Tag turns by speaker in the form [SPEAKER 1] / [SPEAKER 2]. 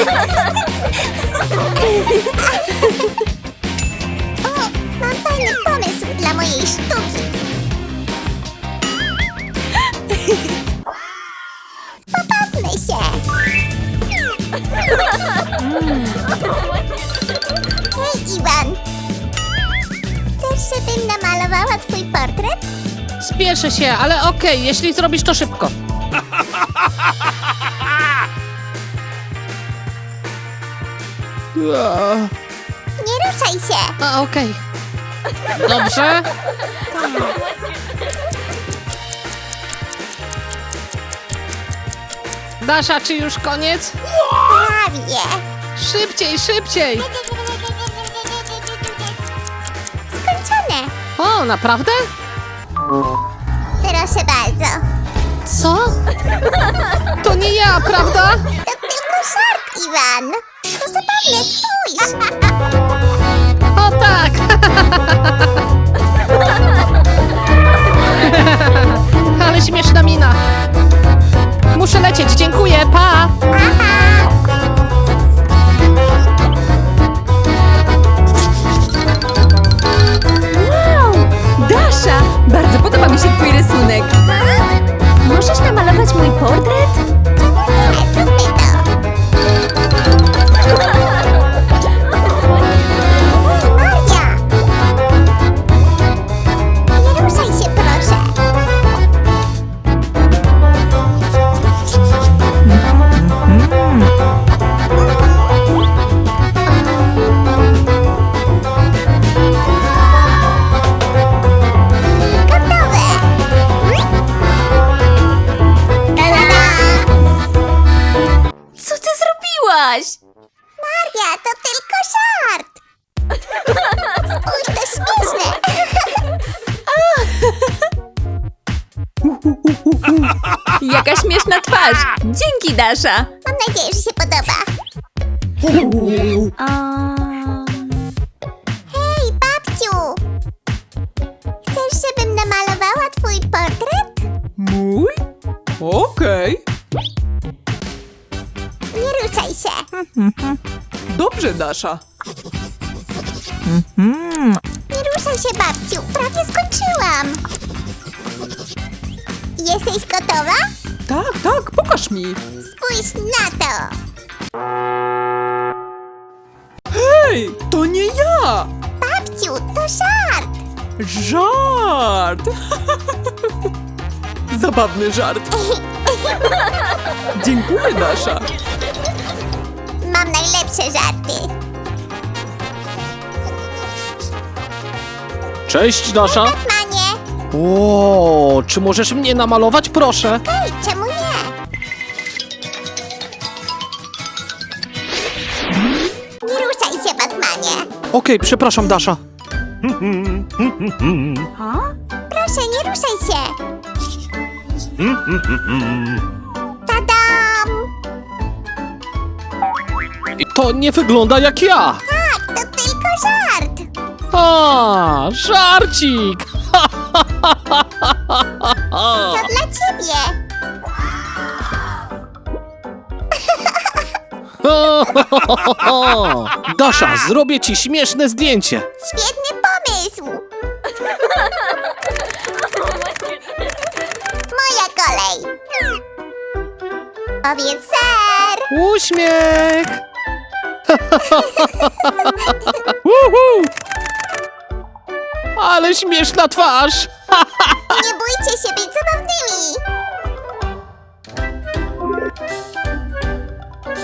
[SPEAKER 1] O, mam fajny pomysł dla mojej sztuki. Pobawmy się. Hej, Iwan. Chcesz, żebym namalowała twój portret?
[SPEAKER 2] Spieszę się, ale okej, jeśli zrobisz to szybko.
[SPEAKER 1] Nie ruszaj się.
[SPEAKER 2] A, okej. Dobrze. Dasza, czy już koniec?
[SPEAKER 1] Prawie.
[SPEAKER 2] Szybciej, szybciej!
[SPEAKER 1] Skończone.
[SPEAKER 2] O, naprawdę?
[SPEAKER 1] Proszę bardzo.
[SPEAKER 2] Co? To nie ja, prawda?
[SPEAKER 1] To tylko żart, Iwan. To zabawne, spójrz.
[SPEAKER 2] O tak! Ale śmieszna mina. Muszę lecieć, dziękuję, pa!
[SPEAKER 3] Wow! Dasza! Bardzo podoba mi się twój rysunek. Możesz namalować mój portret?
[SPEAKER 1] Nie, zróbmy to. Maria! Nie ruszaj się, proszę. Gotowe! Ta-da!
[SPEAKER 3] Co ty zrobiłaś?
[SPEAKER 1] Maria, to tylko żart! Spójrz, to śmieszne!
[SPEAKER 3] Jaka śmieszna twarz! Dzięki, Dasza!
[SPEAKER 1] Mam nadzieję, że się podoba. Hej, babciu! Chcesz, żebym namalowała twój portret?
[SPEAKER 4] Mój? Okej.
[SPEAKER 1] Nie ruszaj się.
[SPEAKER 4] Dobrze, Dasza.
[SPEAKER 1] Nie ruszaj się, babciu. Prawie skończyłam. Jesteś gotowa?
[SPEAKER 4] Tak, tak, pokaż mi.
[SPEAKER 1] Spójrz na to.
[SPEAKER 4] Hej, to nie ja!
[SPEAKER 1] Babciu, to żart.
[SPEAKER 4] Żart! Zabawny żart. Dziękuję, Dasza.
[SPEAKER 1] Mam najlepsze żarty.
[SPEAKER 2] Cześć, Dasza.
[SPEAKER 1] Batmanie.
[SPEAKER 2] O, czy możesz mnie namalować, proszę?
[SPEAKER 1] Hej, czemu nie? Nie ruszaj się, Batmanie.
[SPEAKER 2] Okej, przepraszam, Dasza.
[SPEAKER 1] Proszę, nie ruszaj się. Tadam!
[SPEAKER 2] To nie wygląda jak ja.
[SPEAKER 1] Tak, to tylko żart.
[SPEAKER 2] A, żarcik!
[SPEAKER 1] To dla ciebie.
[SPEAKER 2] Dasza, zrobię ci śmieszne zdjęcie.
[SPEAKER 1] Świetny pomysł. Moja kolej. Powiedz ser.
[SPEAKER 2] Uśmiech! Uhu! Ale śmieszna twarz!
[SPEAKER 1] Nie bójcie się być zabawnymi.